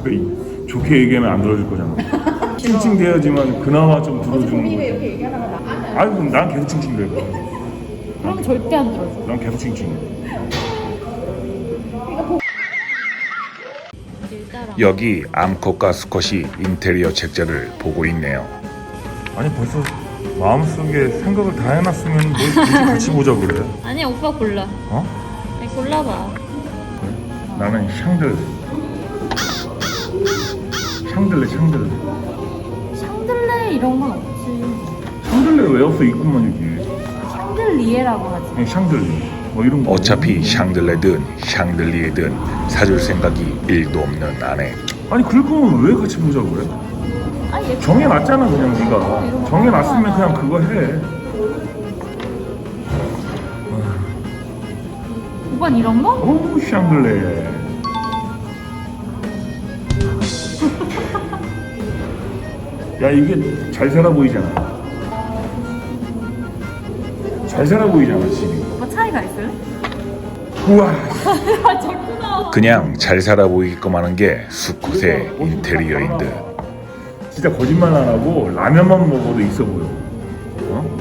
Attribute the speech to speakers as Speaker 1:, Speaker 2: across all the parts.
Speaker 1: 어차피 좋게 얘기하면 안 들어줄 거잖아. 칭칭대야지만 그나마 좀 들어주는
Speaker 2: 본인이
Speaker 1: 거야.
Speaker 2: 이렇게 얘기하다가 나
Speaker 1: 아이고 난 계속 칭칭대.
Speaker 2: 그럼 절대 안 들어줘.
Speaker 1: 난 계속 칭칭.
Speaker 3: 여기 암컷과 수컷이 인테리어 책자를 보고 있네요.
Speaker 1: 아니 벌써 마음속에 생각을 다 해놨으면 뭘 굳이 같이 보자 그래.
Speaker 2: 아니 오빠 골라.
Speaker 1: 어?
Speaker 2: 아니 골라봐.
Speaker 1: 나는 샹들레. 샹들레.
Speaker 2: 샹들레 이런 건 없지.
Speaker 1: 샹들레 왜 없어? 있구만 여기.
Speaker 2: 샹들리에라고 하지.
Speaker 1: 그냥 샹들레. 뭐 이런 거.
Speaker 3: 어차피 샹들레든 샹들리에든 사줄 생각이 1도 없는 아내.
Speaker 1: 아니 그럴 거면 왜 같이 보자 그래?
Speaker 2: 아니 얘
Speaker 1: 정해놨잖아 그냥 네가. 정해놨으면 그냥 그거 해.
Speaker 2: 오빠 이런 거?
Speaker 1: 어우 샹들레. 야 이게 잘 살아 보이잖아. 잘 살아 보이잖아 집이.
Speaker 2: 오빠 차이가 있어요?
Speaker 1: 우와.
Speaker 2: 아 자꾸 나와.
Speaker 3: 그냥 잘 살아 보이기만 하는 게 수컷의 인테리어인 듯.
Speaker 1: 진짜 거짓말 안 하고 라면만 먹어도 있어 보여. 어?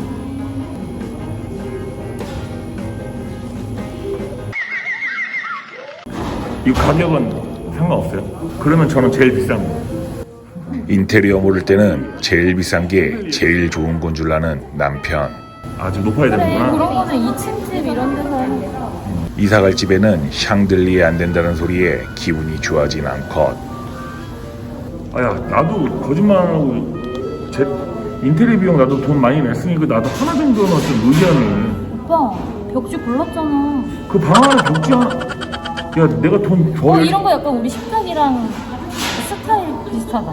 Speaker 1: 이 가격은 상관없어요? 그러면 저는 제일 비싼 거.
Speaker 3: 인테리어 모를 때는 제일 비싼 게 제일 좋은 건 줄 아는 남편.
Speaker 1: 아주 높아야
Speaker 2: 그래
Speaker 1: 되는구나.
Speaker 2: 그런 거는 2층집 이런 데서 하는 게
Speaker 3: 이사갈 집에는 샹들리에 안 된다는 소리에 기분이 좋아진 암컷.
Speaker 1: 아야 나도 거짓말 안 하고 제 인테리어 비용 나도 돈 많이 냈으니까 나도 하나 정도는 좀 의견을.
Speaker 2: 오빠 벽지 골랐잖아.
Speaker 1: 그 방 안에 벽지 하나. 야 내가 돈 더.
Speaker 2: 이런 거 약간 우리 식탁이랑 스타일 비슷하다.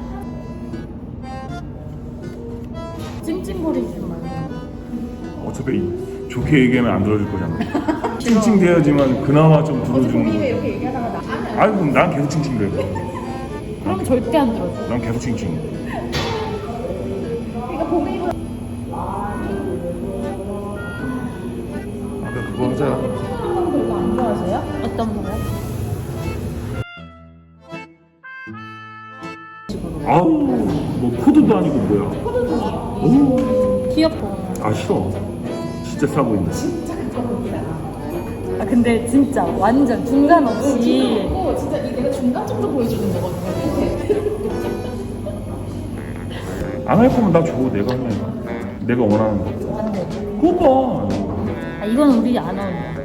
Speaker 2: 찡찡거리지 말고.
Speaker 1: 어차피 좋게 얘기하면 안 들어줄 거잖아. 칭칭대야지만 그나마 좀 들어주는
Speaker 2: 본인이
Speaker 1: 거야.
Speaker 2: 이렇게 얘기하다가 나
Speaker 1: 아이고 난 계속 칭칭대.
Speaker 2: 그럼 절대 안 들어줘.
Speaker 1: 난 계속 칭칭.
Speaker 2: 그러니까 본인이
Speaker 1: 아까 그거 하자.
Speaker 2: 별로 안 좋아하세요? 어떤 거요?
Speaker 1: 아우 뭐 코드도 아니고 뭐야. 오.
Speaker 2: 귀엽고.
Speaker 1: 아 싫어. 진짜 싸 보인다.
Speaker 2: 아 근데 진짜 완전 중간 없이. 진짜 내가 중간 정도 보여주는 거거든요.
Speaker 1: 안 할 거면 나 줘. 내가 하면 내가 원하는 거.
Speaker 2: 안 돼.
Speaker 1: 그거 봐.
Speaker 2: 아 이건 우리 안 어울려.